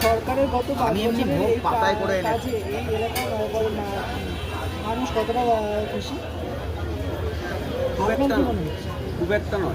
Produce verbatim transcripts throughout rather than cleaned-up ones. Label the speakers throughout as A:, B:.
A: সরকারের গত পাঁচ
B: আমি এমনি
A: বছরের
B: ভোগ
A: এই
B: পাতায় করে
A: কা-
B: এনেছি।
A: কাজে এই এলাকার নগর- মা- মানুষ কতটা আহ, খুশি?
B: খুব
A: আপনার
B: একটা
A: কি মনে হচ্ছে?
B: খুব একটা নয়।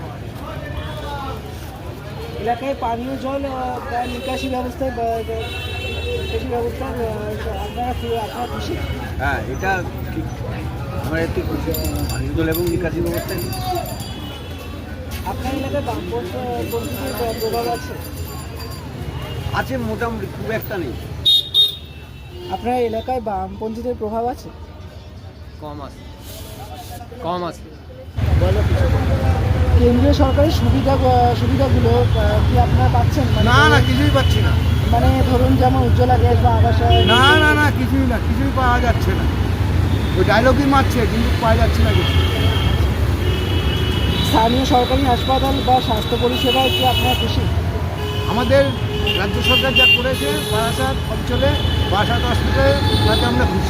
A: এলাকায় পানীয় জল আহ, বা নিকাশি ব্যবস্থায় বা- বা- নিকাশি ব্যবস্থা আহ, আপনারা খু- আপনারা খুশি?
B: হ্যাঁ, এটা ঠিক। আমরা একটু খুশি। পানীয় জল এবং নিকাশি ব্যবস্থা
A: আপনার এলাকায় বামপন্থীদের প্রভাব আছে?
B: আছে মোটামুটি, খুব একটা নেই।
A: আপনার এলাকায় বামপন্থীদের প্রভাব আছে?
C: কম আছে, কম আছে।
A: বলো কিছু। কেন্দ্রীয় সরকারের সুবিধা সুবিধাগুলো আহ, কি আপনারা পাচ্ছেন? মানে
D: না না কিছুই পাচ্ছি না।
A: মানে ধরুন যেমন উজ্জ্বলা গ্যাস বা আবাস
D: না না না কিছুই না, কিছুই পাওয়া যাচ্ছে না। ওই ডায়লগই মারছে কিন্তু পাওয়া যাচ্ছে না কিছু।
A: স্থানীয় সরকারি হাসপাতাল বা স্বাস্থ্য পরিষেবায় কি আপনারা খুশি?
D: আমাদের রাজ্য সরকার যা করেছে বারাসাত অঞ্চলে, বারাসাত হসপিটালে, তাতে আমরা খুশি।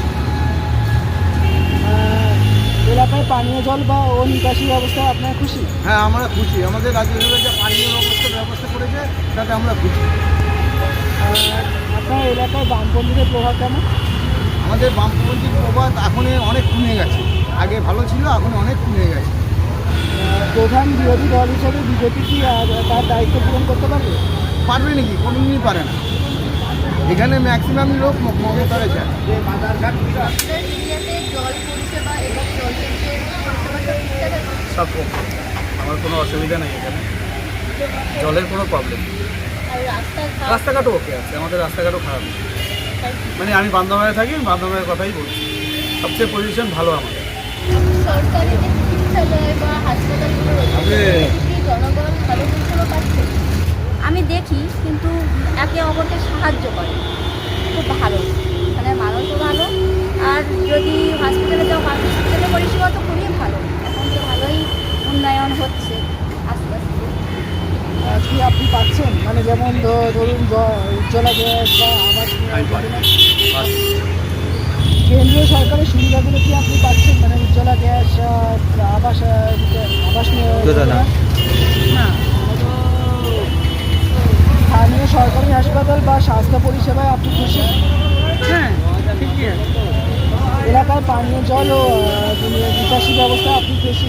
A: আহ, এলাকায় পানীয় জল বা ও নিকাশি ব্যবস্থায় আপনারা খুশি?
D: হ্যাঁ আমরা খুশি, আমাদের রাজ্য সরকার যা পানীয় ব্যবস্থার ব্যবস্থা করেছে তাতে আমরা খুশি।
A: আর আপনার এলাকায় বামপন্থীদের প্রভাব কেমন?
D: আমাদের বামপন্থী প্রবাদ এখন অনেক কমে গেছে, আগে ভালো ছিল এখন অনেক কমে গেছে।
A: আহ, প্রধান বিরোধী দল হিসেবে বিজেপি কি আহ, তার দায়িত্ব পূরণ করতে পারবে?
D: পারবে নাকি? কোনোদিনই পারে না। এখানে ম্যাক্সিমাম লোক ম- মমতারে চায়।
E: আপনার এরিয়াতে জল পরিষেবা এবং জলের যে পরিষেবাটা ঠিকঠাক আছে?
C: সব ওকে, আমার কোনো অসুবিধা নেই এখানে, জলের কোনো প্রবলেম নেই।
E: আর রাস্তাঘাট
C: রাস্তাঘাটও ওকে আছে, আমাদের রাস্তাঘাটও খারাপ নেই। মানে আমি বান্দরবানে থাকি, আমি বান্দরবানের কথাই বলছি। সবচেয়ে পজিশন ভালো আমাদের।
E: সরকারি যে চিকিৎসালয় বা হাসপাতালগুলো রয়েছে সেখানে কি জনগণ ভালো পরিষেবা পাচ্ছে? আমি দেখি, কিন্তু একে অপরকে সাহায্য করে, খুব ভালো, মানে মানুষও ভালো। আর যদি হসপিটালে যাও, হসপিটালের পরিষেবা তো খুবই ভালো, এখন তো ভালোই উন্নয়ন হচ্ছে আস্তে আস্তে।
A: আহ, কি আপনি পাচ্ছেন? মানে যেমন ধ- ধরুন জ- উজ্জ্বলা গ্যাস বা আবাস যোজনা? কেন্দ্রীয় সরকারের সুবিধাগুলো কি আপনি পাচ্ছেন? মানে উজ্জ্বলা গ্যাস আহ, আবাস আহ, আবাস যোজনা?
E: না,
A: স্থানীয় সরকারি হাসপাতাল বা স্বাস্থ্য পরিষেবায় আপনি খুশি?
E: হ্যাঁ ঠিকই আছে।
A: এলাকার পানীয় জল ও আহ, নিকাশি ব্যবস্থা আপনি খুশি?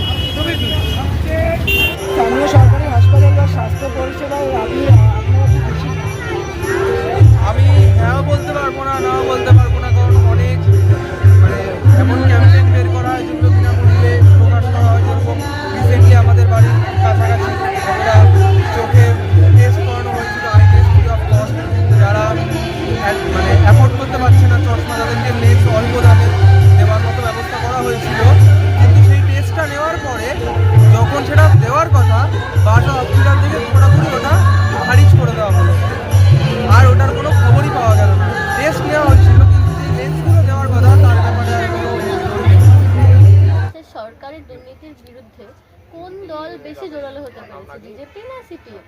A: স্থানীয় সরকারি হাসপাতাল বা স্বাস্থ্য পরিষেবায় আপনি আপনারা কি খুশি?
C: আমি হ্যাঁ বলতে পারবো না, নাও বলতে পারবো না, কারণ অনেক মানে এমন ক্যাম্পেইন বের করা হয় যেগুলো বিনামূল্যে প্রকাশ করা হয়। যেরকম রিসেন্টলি আমাদের বাড়ির কাছাকাছি একটা চোখে টেস্ট করানো হয়েছিল, eye test free of cost. যারা এক- মানে অ্যাফোর্ড করতে পারছে না চশমা, তাদেরকে লেন্স অল্প দামে দেওয়ার মতো ব্যবস্থা করা হয়েছিল। কিন্তু সেই টেস্টটা নেওয়ার পরে যখন সেটা দেওয়ার কথা, বাসা হসপিটাল থেকে পুরোপুরি ওটা খারিজ করে দেওয়া হলো, আর ওটার কোনো খবরই পাওয়া গেল না। টেস্ট নেওয়া হচ্ছিল কিন্তু যে লেন্সগুলো দেওয়ার কথা তার ব্যাপারে আর কোনো নজর নেই।
E: সরকারি দুর্নীতির বিরুদ্ধে কোন দল বেশি জোরালো হতে পেরেছে, বিজেপি না সিপিএম?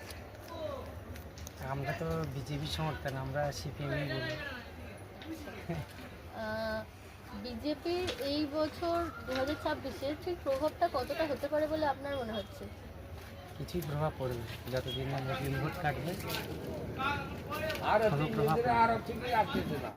F: আমরা তো বিজেপি সমর্থন, আমরা সিপিএমই বলি।
E: বিজেপির এই বছর দু হাজার ছাব্বিশে ঠিক প্রভাবটা কতটা হতে পারে বলে আপনার মনে হচ্ছে?
F: কিছুই প্রভাব পড়বে না, যতদিন না মুসলিম ভোট কাটবে কোনো প্রভাব পড়বে না।